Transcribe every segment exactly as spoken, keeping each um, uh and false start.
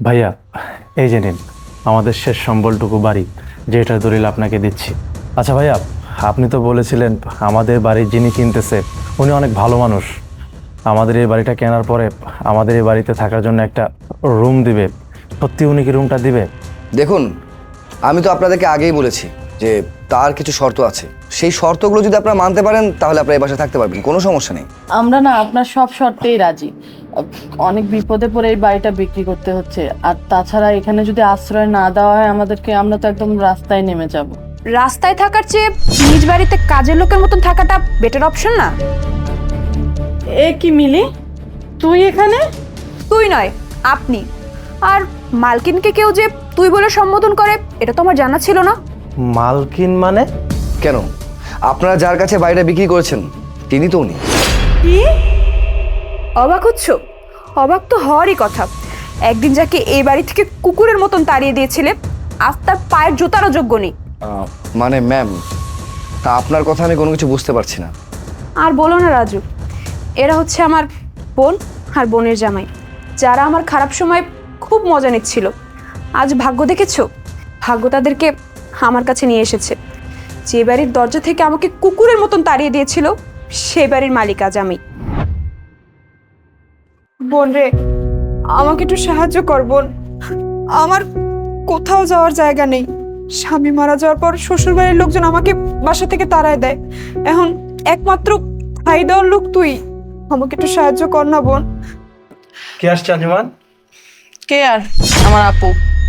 ভাইয়া, এই যে নিন আমাদের শেষ সম্বলটুকু বাড়ি, যেটার দলিল আপনাকে দিচ্ছি। আচ্ছা ভাইয়া, আপনি তো বলেছিলেন আমাদের বাড়ি যিনি কিনতেছে উনি অনেক ভালো মানুষ। আমাদের এই বাড়িটা কেনার পরে আমাদের এই বাড়িতে থাকার জন্য একটা রুম দিবে। সত্যি উনি কি রুমটা দিবে? দেখুন, আমি তো আপনাদেরকে আগেই বলেছি যে তার কিছু শর্ত আছে। সেই শর্তগুলো যদি আপনারা মানতে পারেন তাহলে আপনারা এই বাসায় থাকতে পারবেন, কোনো সমস্যা নেই। আমরা না আপনার সব শর্তেই রাজি। অনেক বিপদে পড়ে এই বাড়িটা বিক্রি করতে হচ্ছে, আর তাছাড়া এখানে যদি আশ্রয় না দেওয়া হয় আমাদেরকে, আমরা তো একদম রাস্তায় নেমে যাব। রাস্তায় থাকার চেয়ে নিজ বাড়িতে কাজের লোকের মতন থাকাটা বেটার অপশন না? এ কি মিলি, তুই এখানে? তুই নয়, আপনি। আর মালকিনকে কেউ যে তুই বলে সম্বোধন করে এটা তো আমার জানা ছিল না। মালকিন মানে? কেন, আপনারা যার কাছে বাড়িটা বিক্রি করেছেন তিনি তো উনি। কি অবাক হচ্ছ? অবাক তো হওয়ারই কথা। একদিন যাকে এই বাড়ি থেকে কুকুরের মতন তাড়িয়ে দিয়েছিলে, আজ তার পায়ের জুতারও যোগ্য নেই। আহ, মানে ম্যাম, তা আপনার কথা আমি কোনো কিছু বুঝতে পারছি না। আর বলো না রাজু, এরা হচ্ছে আমার বোন আর বোনের জামাই, যারা আমার খারাপ সময় খুব মজা নিচ্ছিল। আজ ভাগ্য দেখেছো, ভাগ্য তাদেরকে আমার কাছে নিয়ে এসেছে। যে বাড়ির দরজা থেকে আমাকে কুকুরের মতন তাড়িয়ে দিয়েছিল সে বাড়ির মালিক আজ আমি। বোন রে, আমাকে একটু সাহায্য কর বোন। আমার কোথাও যাওয়ার জায়গা নেই। স্বামী মারা যাওয়ার পর শ্বশুর বাড়ির লোকজন আমাকে বাসা থেকে তাড়ায় দেয়। এখন একমাত্র খাই দেওয়ার লোক তুই। আমাকে একটু সাহায্য কর না বোন। কে আসছে আঞ্জুমান? কে আর? আমার আপু।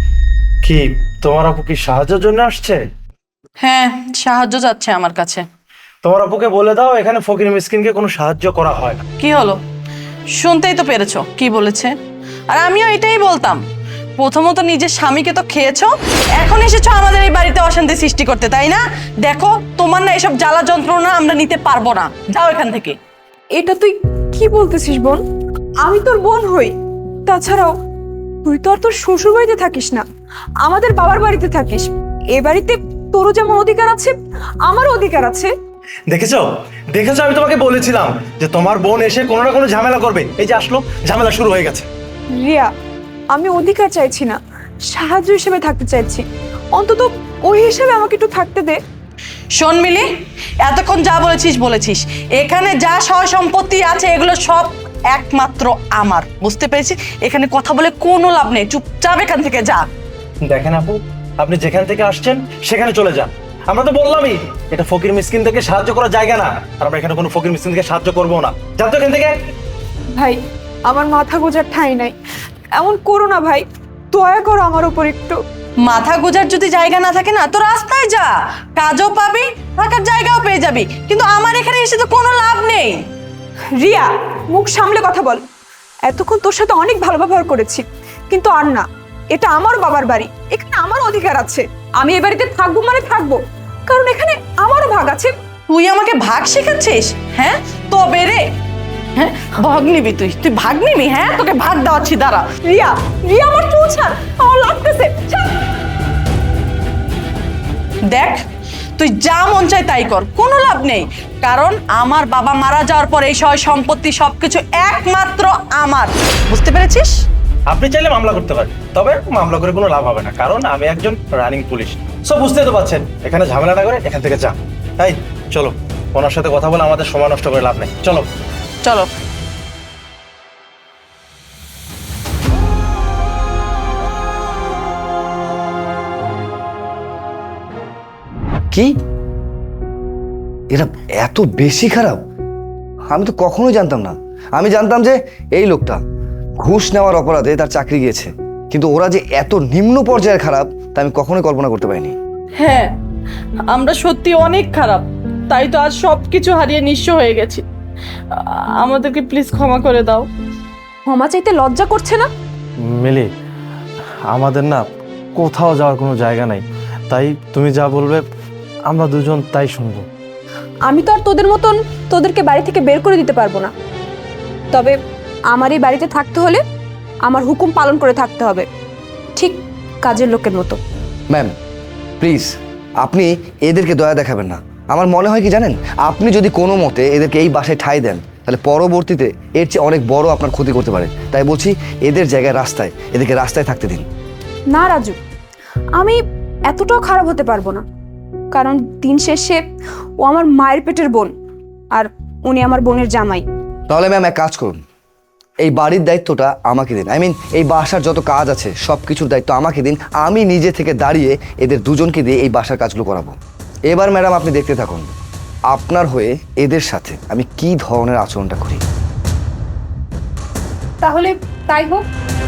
কি তোমার আপু কি সাহায্যের জন্য আসছে? হ্যাঁ, সাহায্য চাচ্ছে আমার কাছে। তোমার আপুকে বলে দাও এখানে ফকির মিসকিনকে কোনো সাহায্য করা হয় না। কি হলো, শুনতেই তো পেরেছো কি বলেছে। আর আমিও এটাই বলতাম, প্রথমত নিজের স্বামীকে তো খেয়েছো, এখন এসেছো আমাদের এই বাড়িতে অশান্তি সৃষ্টি করতে, তাই না? দেখো, তোমার না এসব জ্বালা যন্ত্রণা আমরা নিতে পারবো না, যাও এখান থেকে। এটা তুই কি বলতেছিস বোন? আমি তোর বোন হই। তাছাড়াও তুই তো আর তোর শ্বশুর বাড়িতে থাকিস না, আমাদের বাবার বাড়িতে থাকিস। এ বাড়িতে তোরও যেমন অধিকার আছে আমারও অধিকার আছে। দেখেছো দেখেছো আমি তোমাকে বলেছিলাম যে তোমার বোন এসে কোনো না কোনো ঝামেলা করবে। এই যে আসলো, ঝামেলা শুরু হয়ে গেছে। রিয়া, আমি অধিকার চাইছি না, সাহায্য হিসেবে থাকতে চাইছি। অন্তত ওই হিসেবে আমাকে একটু থাকতে দে। শোন মিলি, এতক্ষণ যা বলেছিস বলেছিস, এখানে যা সয় সম্পত্তি আছে এগুলো সব একমাত্র আমার, বুঝতে পেরেছিস? এখানে কথা বলে কোনো লাভ নেই, চুপচাপ এখান থেকে যা। দেখেন আপু, আপনি যেখান থেকে আসছেন সেখানে চলে যান। আমরা তো বললামই এটা ফকির মিসকিন থেকে সাহায্য করার জায়গা না, আর আমরা এখানে কোনো ফকির মিসকিন থেকে সাহায্য করবো না। যান তো এখান থেকে। ভাই, আমার মাথা গোজার ঠাঁই নাই, এমন করো না ভাই, দয়া করো আমার উপর একটু। মাথা গোজার যদি জায়গা না থাকে না, তো রাস্তায় যা, কাজও পাবি, থাকার জায়গাও পেয়ে যাবি, কিন্তু আমার এখানে এসে তো কোনো লাভ নেই। রিয়া, মুখ সামলে কথা বল। এতক্ষণ তোর সাথে অনেক ভালো ব্যবহার করেছি, কিন্তু আর না। এটা আমার বাবার বাড়ি, এখানে আমার অধিকার আছে। আমি এই বাড়িতে থাকবো মানে থাকবো, কারণ এখানে আমারও ভাগ আছে। তুই আমাকে ভাগ শেখাচ্ছিস? হ্যাঁ, তবে রে, হ্যাঁ ভাগ নিবি তুই? তুই ভাগ নিবি? হ্যাঁ, তোকে ভাগ দেওয়াচ্ছি, দাঁড়া। রিয়া, রিয়া আমার চুল ছাড়, আমার লাগতেছে। ছাড়। দেখ, তুই যা মন চায় তাই কর, কোনো লাভ নেই, কারণ আমার বাবা মারা যাওয়ার পর এই সয় সম্পত্তি সবকিছু একমাত্র আমার, বুঝতে পেরেছিস? আপনি চাইলে মামলা করতে পারেন, তবে মামলা করে কোনো লাভ হবে না, কারণ আমি একজন রানিং পুলিশ। সব বুঝতেই তো পারছেন, এখানে ঝামেলা না করে এখান থেকে যান। তাই চলো, ওনার সাথে কথা বলে আমাদের সময় নষ্ট করে লাভ নেই, চলো। চলো। কি, এরা এত বেশি খারাপ? আমি তো কখনোই জানতাম না। আমি জানতাম যে এই লোকটা ঘুষ নেওয়ার অপরাধে তার চাকরি গিয়েছে, কিন্তু ওরা যে এত নিম্ন পর্যায়ের খারাপ তা আমি কখনোই কল্পনা করতে পারিনি। হ্যাঁ, আমরা সত্যি অনেক খারাপ, তাই তো আজ সবকিছু হারিয়ে নিঃস্ব হয়ে গেছি। আ- আমাদেরকে প্লিজ ক্ষমা করে দাও। ক্ষমা চাইতে লজ্জা করছে না? মিলি, আমাদের না কোথাও যাওয়ার কোনো জায়গা নাই, তাই তুমি যা বলবে আমরা দুজন তাই শুনবো। আমি তো আর তোদের মতন তোদেরকে বাড়ি থেকে বের করে দিতে পারবো না, তবে আমার এই বাড়িতে থাকতে হলে আমার হুকুম পালন করে থাকতে হবে, ঠিক কাজের লোকের মতো। ম্যাম প্লিজ, আপনি এদেরকে দয়া দেখাবেন না। আমার মনে হয় কি জানেন, আপনি যদি কোনো মতে এদেরকে এই বাসায় ঠাঁই দেন তাহলে পরবর্তীতে এর চেয়ে অনেক বড় আপনার ক্ষতি করতে পারে। তাই বলছি এদের জায়গায় রাস্তায়, এদেরকে রাস্তায় থাকতে দিন। না রাজু, আমি এতটাও খারাপ হতে পারবো না, কারণ দিন শেষে ও আমার মায়ের পেটের বোন, আর উনি আমার বোনের জামাই। তাহলে ম্যাম এক কাজ করুন, এই বাড়ির দায়িত্বটা আমাকে দিন। আই মিন এই বাসার যত কাজ আছে সব কিছুর দায়িত্ব আমাকে দিন। আমি নিজে থেকে দাঁড়িয়ে এদের দুজনকে দিয়ে এই বাসার কাজগুলো করাবো। এবার ম্যাডাম আপনি দেখতে থাকুন আপনার হয়ে এদের সাথে আমি কি ধরনের আচরণটা করি। তাহলে তাই হোক।